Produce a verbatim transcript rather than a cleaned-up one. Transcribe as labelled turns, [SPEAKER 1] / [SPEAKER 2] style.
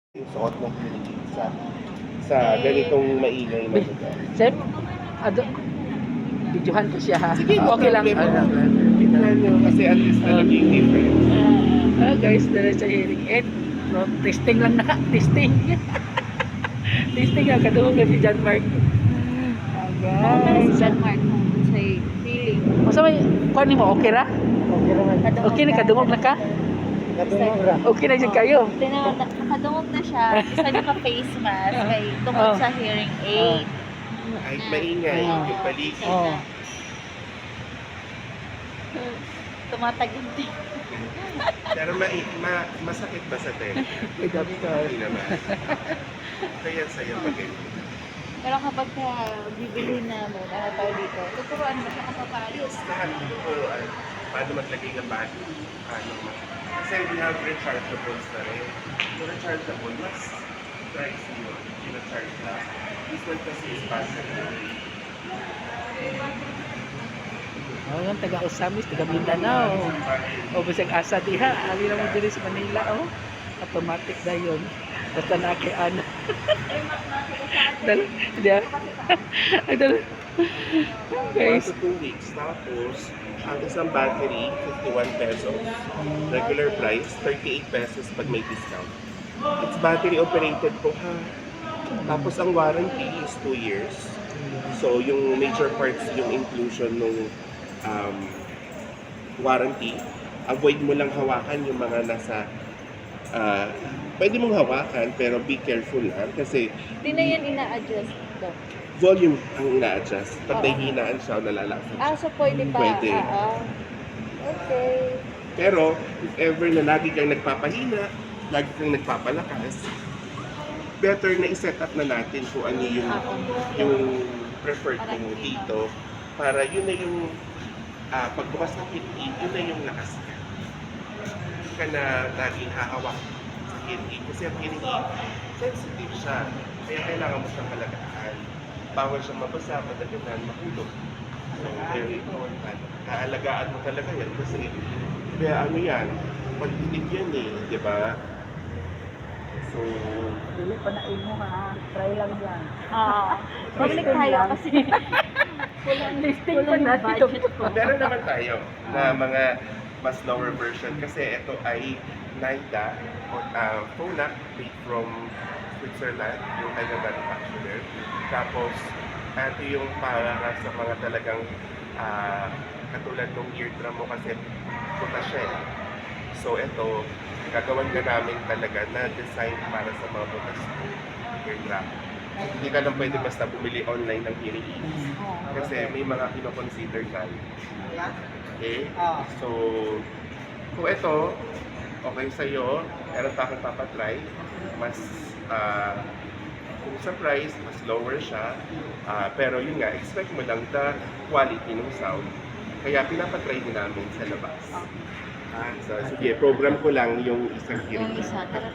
[SPEAKER 1] Yung suot ng hearing sa sa ganitong maingay na lugar.
[SPEAKER 2] Sir, ado, videohan ko siya ha.
[SPEAKER 1] Sige, no
[SPEAKER 2] Okay lang.
[SPEAKER 1] problem.
[SPEAKER 2] Ah,
[SPEAKER 1] Tingnan nyo kasi at least alam niyo yung difference.
[SPEAKER 2] ah, guys, dala sa hearing aid. No, testing lang na. Testing. Testing nga. Kadungog na si John Mark. Ah,
[SPEAKER 3] Para si
[SPEAKER 2] guys.
[SPEAKER 3] John Mark sa feeling.
[SPEAKER 2] Masa may, kuha mo, okay ra?
[SPEAKER 1] Okay naman.
[SPEAKER 2] Okay na, kadungog na ka?
[SPEAKER 1] Kadungog ra.
[SPEAKER 2] Okay na dyan kayo.
[SPEAKER 3] Tinawag na, nakadungog na siya. Isa naka-face mask. May tungkol
[SPEAKER 2] Oh.
[SPEAKER 3] sa hearing aid.
[SPEAKER 1] Ay, maingay.
[SPEAKER 2] Oh.
[SPEAKER 1] Yung paligid.
[SPEAKER 2] Oh.
[SPEAKER 3] Tumataginting.
[SPEAKER 1] Pero ma ma masakit ba sa tenga?
[SPEAKER 2] May doctor.
[SPEAKER 1] Hindi naman. Kaya sa'yo pag ganyan.
[SPEAKER 3] Pero kapag ka bibili na mo, ano tao dito, tuturuan mo siya kapapayos.
[SPEAKER 1] Lahat tuturuan paano maglagay ng battery. Paano ma kasi we have rechargeables na rin. Yung rechargeable, mas pricey yun. Yung recharge na. This one kasi is battery.
[SPEAKER 2] Oh, yung taga Osamis, taga Mindanao. O bisag asa diha, ali na mo diri sa Manila oh. Automatic na yun. Basta na kay ano. Dal, dia. Dal.
[SPEAKER 1] One
[SPEAKER 2] Guys,
[SPEAKER 1] to two weeks. Tapos, ang isang battery, fifty-one pesos. Regular price, thirty-eight pesos pag may discount. It's battery operated po ha. Tapos ang warranty is two years. So, yung major parts, yung inclusion ng um, warranty, avoid mo lang hawakan yung mga nasa uh, pwede mong hawakan pero be careful ha kasi
[SPEAKER 3] Hindi na yan ina-adjust daw.
[SPEAKER 1] volume ang ina-adjust. Pag
[SPEAKER 3] Oo.
[SPEAKER 1] nahihinaan siya o nalalakad
[SPEAKER 3] Ah, so pwede pa.
[SPEAKER 1] Pwede.
[SPEAKER 3] Ah, ah. Okay.
[SPEAKER 1] Pero, if ever na lagi kang nagpapahina, lagi kang nagpapalakas, better na i-set up na natin kung ano yung,
[SPEAKER 3] Oo.
[SPEAKER 1] yung preferred mo dito para yun na yung ah, pagbukas ng hearing, yun na yung lakas ka. Hindi ka na laging hahawak sa hearing kasi ang hearing aid, sensitive siya. Kaya kailangan mo siyang halagaan. Bawal siyang mabasa, madagatan, mahulog. So, very important. Kaalagaan mo talaga yan kasi kaya ano yan, pag-inig yan eh, di ba? So,
[SPEAKER 2] dili pa na imo ha. Try lang yan.
[SPEAKER 3] Ah, public tayo kasi. Walang
[SPEAKER 2] Listing pa
[SPEAKER 3] walang
[SPEAKER 2] natin
[SPEAKER 3] budget
[SPEAKER 2] ito.
[SPEAKER 3] po.
[SPEAKER 1] meron naman tayo na mga mas lower version kasi ito ay NIDA uh, Phonak made from Switzerland, yung kanyang manufacturer. Tapos, ito yung para sa mga talagang ah, katulad ng eardrum mo kasi puta siya eh. So ito, gagawan ka namin talaga na design para sa mga butas mo eardrum. Hindi ka lang pwede basta bumili online ng hearing aids. Kasi may mga kinoconsider tayo. Okay? So, kung ito, okay sa'yo, meron pa akong papatry, mas, ah, kung sa price, mas lower siya. Ah, pero yun nga, expect mo lang the quality ng sound. Kaya pinapatry din namin sa labas. Ah, so, sige, program ko lang yung isang hearing
[SPEAKER 3] Yung
[SPEAKER 1] aid.
[SPEAKER 3] isa, tara.